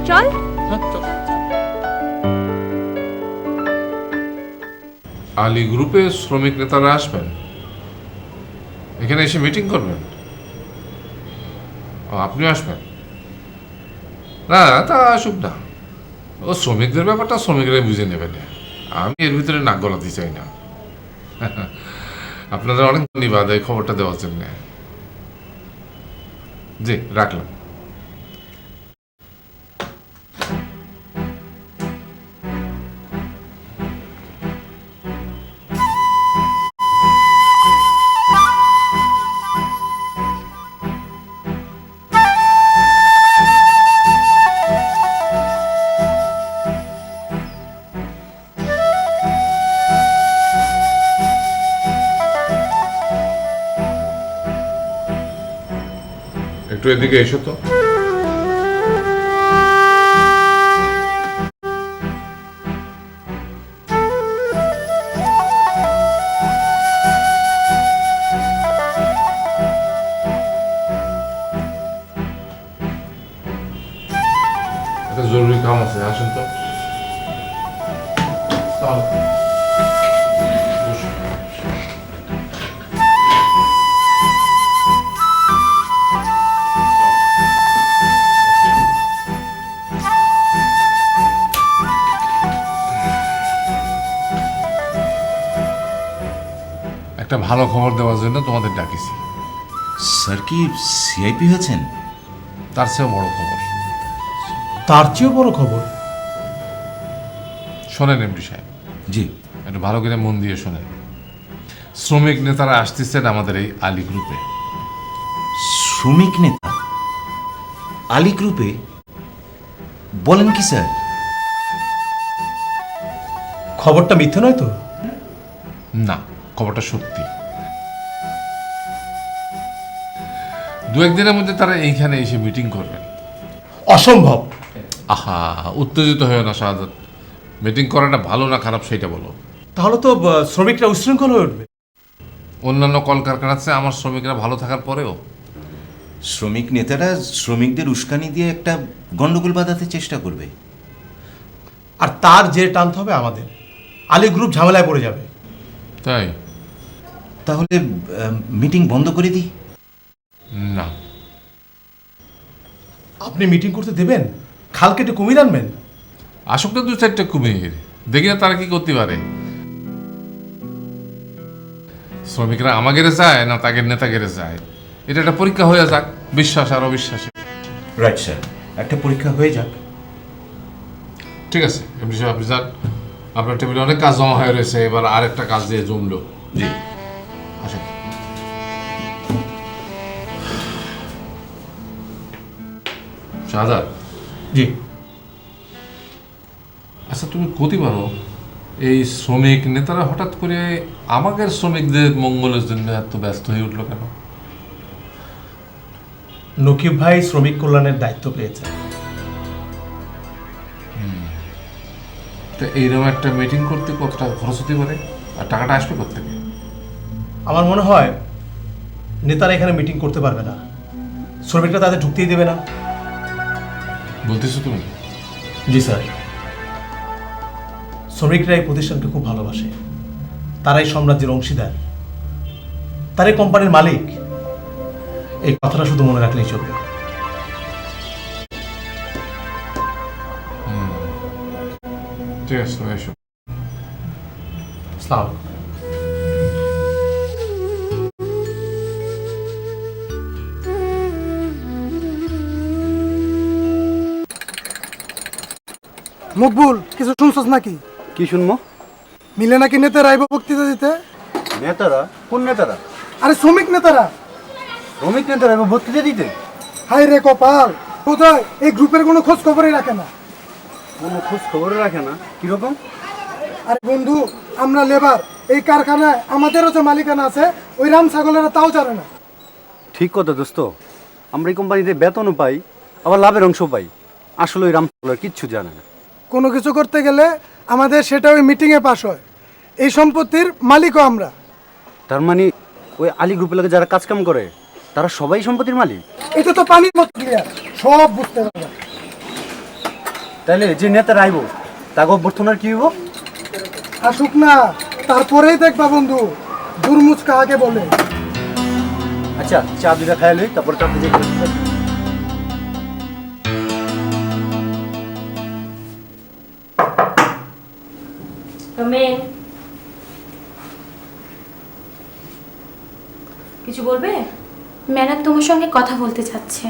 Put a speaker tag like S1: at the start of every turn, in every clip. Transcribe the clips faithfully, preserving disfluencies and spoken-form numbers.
S1: চল।
S2: আলী গ্রুপে শ্রমিক নেতারা আসবেন, এখানে এসে মিটিং করবেন। ও আপনিও আসবেন? না তা আসুক না, ও শ্রমিকদের ব্যাপারটা শ্রমিকরাই বুঝে নেবেন, আমি এর ভিতরে নাক গলাতে চাই না। আপনাদের অনেক ধন্যবাদ এই খবরটা দেওয়ার জন্য। জি রাখলাম। একটু এদিকে এসো তো। একটা জরুরি কাম আছে, আসেন তো। একটা ভালো খবর দেওয়ার জন্য তোমাদের ডাকিছি।
S3: স্যার কি সিআইপি হয়েছেন?
S2: তার চেয়েও বড় খবর।
S4: তার চেয়েও বড় খবর?
S2: শোনেন এমডি সাহেব,
S3: জি।
S2: একটু ভালো করে মন দিয়ে শোনেন। শ্রমিক নেতারা আসতেছেন আমাদের এই আলী গ্রুপে।
S3: শ্রমিক নেতা আলী গ্রুপে? বলেন কি স্যার?
S4: খবরটা মিথ্যে নয় তো?
S2: না, খবরটা সত্যি। দু একদিনের মধ্যে তারা এইখানে এসে মিটিং করবেন।
S4: অসম্ভব।
S2: আহা, উত্তেজিত হয়ে না শাহাদাত। মিটিং করাটা ভালো না খারাপ সেটা বলো।
S4: তাহলে তো আহ, শ্রমিকরা উচ্ছৃঙ্খল হয়ে উঠবে।
S2: অন্যান্য কলকারখানার চেয়ে আমার শ্রমিকরা ভালো থাকার পরেও
S3: শ্রমিক নেতারা শ্রমিকদের উস্কানি দিয়ে একটা গন্ডগোল বাঁধাতে চেষ্টা করবে,
S4: আর তার যে টানতে হবে আমাদের। আলী গ্রুপ ঝামেলায় পড়ে যাবে।
S2: তাই
S3: তাহলে মিটিং বন্ধ করে দিই?
S2: না,
S4: আপনি মিটিং করতে দেবেন? খাল কেটে কুমির আনবেন?
S2: আসুক না দু চারটে কুমির, দেখি না তারা কি করতে পারে। শ্রমিকরা আমাগেরে যায় না তাদের নেতা গেড়ে যায়, এটা একটা পরীক্ষা হয়ে যাক, বিশ্বাস আর অবিশ্বাসে।
S3: রাইট স্যার, একটা পরীক্ষা হয়ে যাক।
S2: ঠিক আছে এমনি সাহেব, আপনি যান। আপনার টেবিলে অনেক কাজ জমা হয়ে রয়েছে, এবার আর একটা কাজ দিয়ে জমলো।
S3: জি
S2: আসেন। শাহাদাত,
S4: জি।
S2: আচ্ছা তুমি ক্ষতি পারো, এই শ্রমিক নেতারা হঠাৎ করে আমাদের শ্রমিকদের মঙ্গলের জন্য এত ব্যস্ত হয়ে উঠলো কেন?
S4: নকিব ভাই শ্রমিক কল্যাণের দায়িত্ব পেয়েছে।
S2: তো এইরকম একটা মিটিং করতে কত টাকা খরচ হতে পারে, আর টাকাটা আসবে কোত্থেকে?
S4: আমার মনে হয় নেতারা এখানে মিটিং করতে পারবে না, শ্রমিকরা তাদের ঢুকতেই দেবে না।
S2: বলতেছো তুমি?
S4: জি স্যার। শ্রমিকরা এই প্রতিষ্ঠানকে খুব ভালোবাসে, তারাই সাম্রাজ্যের অংশীদার, তারাই কোম্পানির মালিক। এই কথাটা শুধু মনে রাখলেই চলবে।
S2: ঠিক আছে, এসো।
S4: আসসালামু আলাইকুম।
S5: মকবুল, কিছু শুনছস নাকি?
S6: কি শুনবো?
S5: মিলে নাকি নেতারা আইব বক্তৃতা দিতে।
S6: নেতারা? কোন নেতারা?
S5: আরে শ্রমিক নেতারা।
S6: শ্রমিক নেতারা এবার বক্তৃতা দিতে?
S5: হাই রে কপাল, বোধহয় এই গ্রুপের কোনো খোঁজ খবরই রাখে না।
S6: কোনো খোঁজ খবর রাখে না? কিরকম?
S5: আরে বন্ধু, আমরা লেবার, এই কারখানায় আমাদেরও যে মালিকানা আছে, ওই রাম ছাগলেরা তাও জানে না।
S6: ঠিক কথা দোস্ত, আমরা এই কোম্পানিতে বেতনও পাই, আবার লাভের অংশ পাই। আসলে ওই রামপালের কিচ্ছু জানে না।
S5: কোনো কিছু করতে গেলে আমাদের সেটা ওই মিটিংয়ে পাস হয়। এই সম্পত্তির মালিকও আমরা।
S6: তার মানে ওই আলী গ্রুপের লোকে যারা কাজ কাম করে তারা সবাই সম্পত্তির মালিক?
S5: এটা তো পানির মতো ক্লিয়ার, সব বুঝতে পারবে।
S6: তাহলে যে নেতারা আইব তাকে অভ্যর্থনার কি হইব?
S5: আসুক না, তারপরেই দেখবা বন্ধু দুর্মুচ কাহাকে বলে।
S6: আচ্ছা, চা দুটা খাই লই, তারপর চা দিয়ে
S1: কিছু বলবে?
S7: ম্যাডাম তোমার সঙ্গে কথা বলতে চাচ্ছে।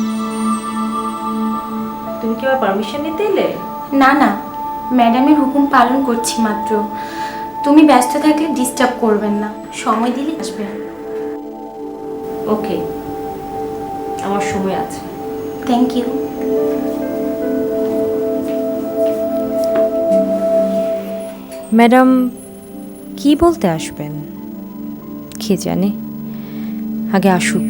S1: তুমি কি আবার পারমিশন নিতে এলে?
S7: না না, ম্যাডামের হুকুম পালন করছি মাত্র। তুমি ব্যস্ত থাকলে ডিস্টার্ব করবেন না, সময় দিলে আসবেন।
S1: ওকে, আমার সময় আছে।
S7: Thank you.
S1: ম্যাডাম কি বলতে আসবেন কে জানে, আগে আসুক।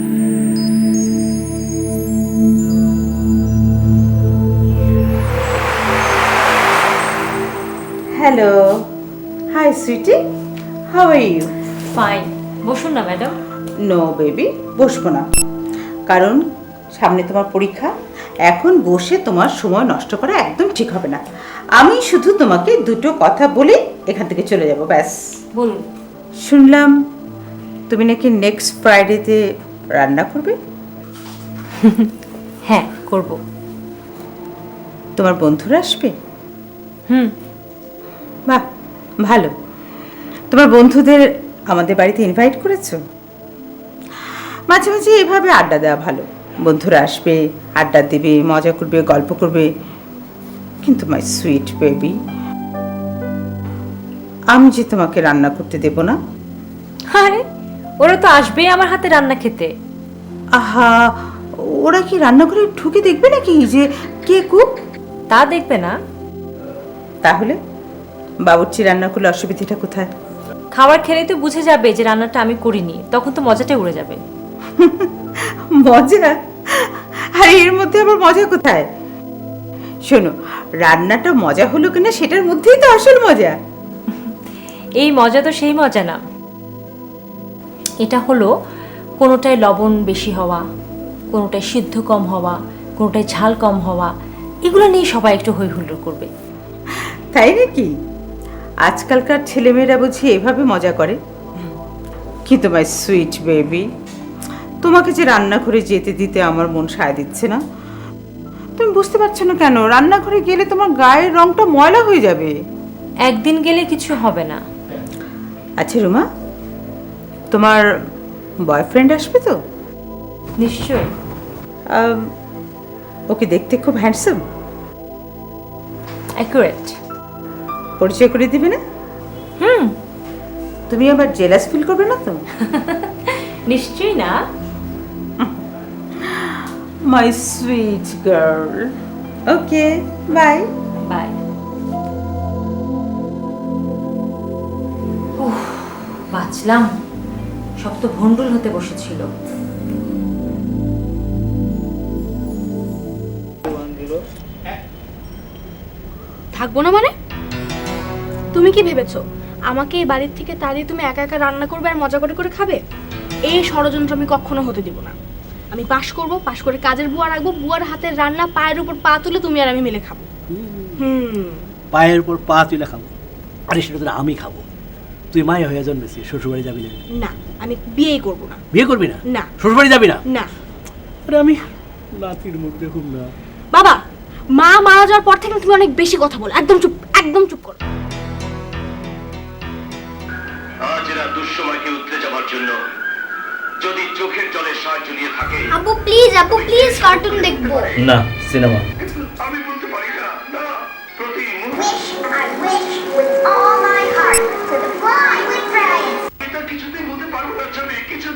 S8: Hello. Hi, sweetie. How are you?
S1: Fine, বসুন না ম্যাডাম।
S8: No, baby. বসবো না। কারণ সামনে তোমার পরীক্ষা, এখন বসে তোমার সময় নষ্ট করা একদম ঠিক হবে না। আমি শুধু তোমাকে দুটো কথা বলে এখান থেকে চলে যাব, ব্যাস।
S1: বলুন।
S8: শুনলাম তুমি নাকি নেক্সট ফ্রাইডেতে রান্না করবে।
S1: হ্যাঁ, করব।
S8: তোমার বন্ধুরা আসবে?
S1: হুম।
S8: বাহ, ভালো। তোমার বন্ধুদের আমাদের বাড়িতে ইনভাইট করেছো? মাঝে মাঝে এভাবে আড্ডা দেওয়া ভালো। বন্ধুরা আসবে, আড্ডা দেবে, মজা করবে, গল্প করবে। কিন্তু মাই সুইট বেবি, আমি যে তোমাকে রান্না করতে দেব না।
S1: আরে ওরা তো আসবেই আমার হাতে রান্না খেতে।
S8: আহা, ওরা কি রান্নাঘরে ঢুকে দেখবে নাকি যে কে কুক?
S1: তা দেখবে না।
S8: তাহলে বাবুর্চি রান্না করলে অসুবিধাটা কোথায়?
S1: খাবার খেলেই তো বুঝে যাবে যে রান্নাটা আমি করিনি, তখন তো মজাটাই উড়ে যাবে।
S8: মজা? আর এর মধ্যে আবার মজা কোথায়? শোনো, রান্নাটা মজা হলো কিনা সেটার মধ্যেই তো আসল মজা।
S1: এই মজা তো সেই মজা না, এটা হলো কোনোটায় লবণ বেশি হওয়া, কোনোটায় সিদ্ধ কম হওয়া, কোনোটায় ঝাল কম হওয়া, এগুলো নিয়ে সবাই একটু হই হুল্লোড় করবে।
S8: তাই নাকি? আজকালকার ছেলেমেয়েরা বুঝি এভাবে মজা করে। কিন্তু মাই সুইট বেবি, তোমাকে যে রান্নাঘরে যেতে দিতে আমার মন সায় দিচ্ছে না। তুমি বুঝতে পারছো না কেন? রান্নাঘরে গেলে তোমার গায়ের রংটা ময়লা হয়ে যাবে।
S1: একদিন গেলে কিছু হবে না।
S8: আচ্ছা রুমা, তোমার বয়ফ্রেন্ড আসবে তো?
S1: নিশ্চয়ই।
S8: আম, ওকে দেখতে খুব হ্যান্ডসাম।
S1: অ্যাকুরেট।
S8: পরিচয় করে দিবে না?
S1: হুম।
S8: তুমি আবার জেলাস ফিল করবে না তো?
S1: নিশ্চয়ই না।
S8: My sweet girl. Okay, bye
S1: bye. উফ, বাঁচলাম। সব তো ভন্ডুল হতে বসেছিল।
S9: থাকবো না মানে? তুমি কি ভেবেছো আমাকে এই বাড়ির থেকে তাড়িয়ে তুমি একা একা রান্না করবে আর মজা করে করে খাবে? এই ষড়যন্ত্র আমি কখনো হতে দিব না। আমি পাশ করব, পাশ করে কাজের বুয়া রাখবো, বুয়ার হাতের রান্না পায়ের উপর পা তুলে তুমি আর আমি মিলে খাবো। হুম।
S10: পায়ের উপর পা তুলে খাবো? আরে সেটা তো আমি খাবো। তুই মায়ে হয়ে জন্মেছিস, শ্বশুরবাড়ি যাবি না?
S9: না, আমি বিয়েই করব না।
S10: বিয়ে করবি না?
S9: না।
S10: শ্বশুরবাড়ি যাবি না?
S9: না।
S10: আরে আমি নাতির মুখ দেখুন না।
S9: বাবা, মা মারা যাওয়ার পর থেকে তুমি অনেক বেশি কথা বলো। একদম চুপ, একদম চুপ করো।
S11: আজ এরা দুঃসময়কে উতলে যাবার জন্য যদি চোখের জলে সাহায্য নিয়ে থাকে।
S9: আব্বু প্লিজ, আব্বু প্লিজ কার্টুন দেখবো।
S10: না, সিনেমা।
S11: আমি বলতে পারি না, না, প্রতি এটা কিছুতেই বলতে পারবো না, ছবি কিছু।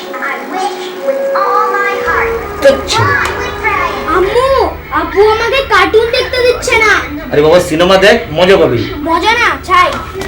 S9: আম্মু, আব্বু আমাকে কার্টুন দেখতে দিচ্ছে না।
S10: আরে বাবা, সিনেমা দেখ, মজা পাবি।
S9: মজা না, চাই।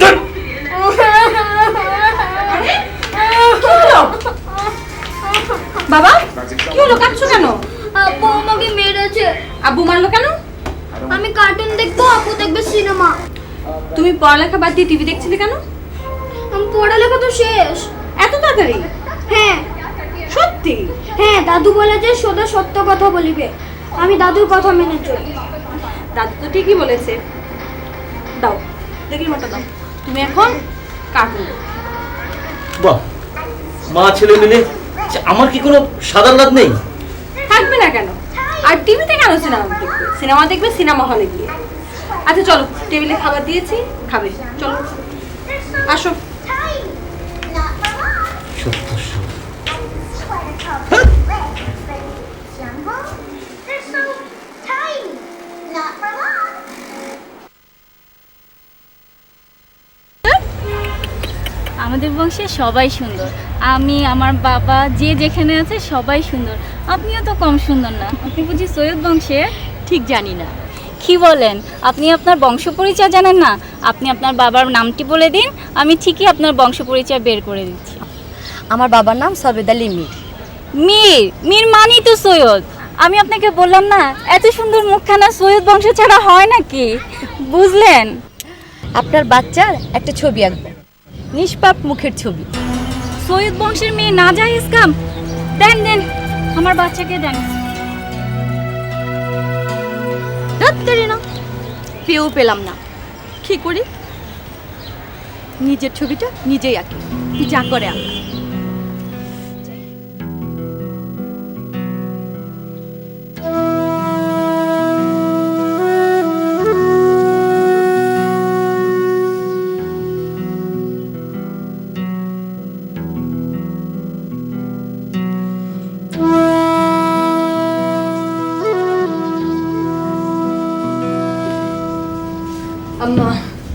S7: বাবা, কি হলো? কাঁদছো কেন?
S9: আব্বু আমাকে মেরেছে।
S7: আব্বু মারলো কেন?
S9: আমি কার্টুন দেখবো, আব্বু দেখবে সিনেমা।
S7: তুমি পড়ালেখা বাদ দিয়ে টিভি দেখছিলে কেন?
S9: আমি পড়ালেখা তো শেষ।
S7: এত তাড়াতাড়ি?
S9: হ্যাঁ
S7: সত্যি?
S9: হ্যাঁ, দাদু বলে যে সদা সত্য কথা বলিবে। আমি দাদুর কথা মেনে চলি। দাদু তো ঠিকই বলেছে। দাও দেখি রিমোটটা দাও, তুমি এখন কার্টুন দেখো।
S10: বাহ, মা ছেলে মিলে আমার কি কোনো সাধার লাভ নেই?
S9: থাকবে না কেন? আর টিভিতে কেন সিনেমা দেখবে? সিনেমা দেখবে সিনেমা হলে গিয়ে। আচ্ছা চলো, টেবিলে খাবার দিয়েছি, খাবে, চলো আসো।
S12: আমাদের বংশে সবাই সুন্দর, আমি আমার বাবা যে যেখানে আছে সবাই সুন্দর। আপনিও তো কম সুন্দর না। আপনি বুঝি সৈয়দ বংশের? ঠিক জানি না। কি বলেন, আপনি আপনার বংশ পরিচয় জানেন না? আপনি আপনার বাবার নামটি বলে দিন, আমি ঠিকই আপনার বংশ পরিচয় বের করে দিচ্ছি।
S1: আমার বাবার নাম সবেদ আলী মীর।
S12: মীর? মীর মানি তো সৈয়দ। আমি আপনাকে বললাম না, এত সুন্দর মুখখানা সৈয়দ বংশ ছাড়া হয় নাকি? বুঝলেন?
S1: আপনার বাচ্চার একটা ছবি আঁকবেন, নিষ্পাপ মুখের ছবি।
S12: সৈয়দ বংশের মেয়ে না যায় ইসকাম। দেন দেন, আমার বাচ্চাকে দেন।
S1: না পেও পেলাম না, কি করি? নিজের ছবিটা নিজেই আঁকি, যা করে আঁকা।
S8: আম্মা,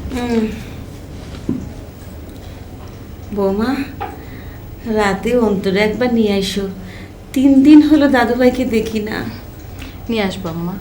S8: বৌমা রাতে অন্তরে একবার নিয়ে আইসো। তিন দিন হলো দাদুভাইকে দেখি না।
S1: নিয়ে আসবো আম্মা।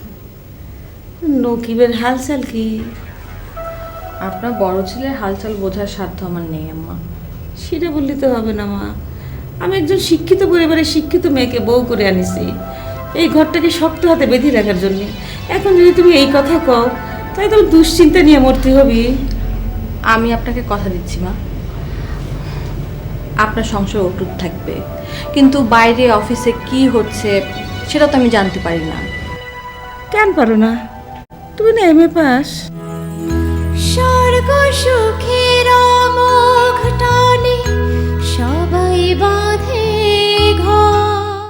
S8: নকিবের হালচাল কি?
S1: আপনার বড় ছেলের হালচাল বোঝার সাধ্য আমার নেই আম্মা।
S8: সেটা বললে তো হবে না মা। আমি একজন শিক্ষিত পরিবারের শিক্ষিত মেয়েকে বউ করে আনিছি এই ঘরটাকে শক্ত হাতে বেঁধে রাখার জন্য। এখন যদি তুমি এই কথা কও তাই তো দুশ্চিন্তা নিয়ে মরতে হবে।
S1: আমি আপনাকে কথা দিচ্ছি মা, আপনার সংসার অটুট থাকবে, কিন্তু বাইরে অফিসে কি হচ্ছে সেটা তো আমি জানতে পারি না।
S8: কেন পারো না? তুমি না এম এ পাস।
S7: স্বর্গ সুখে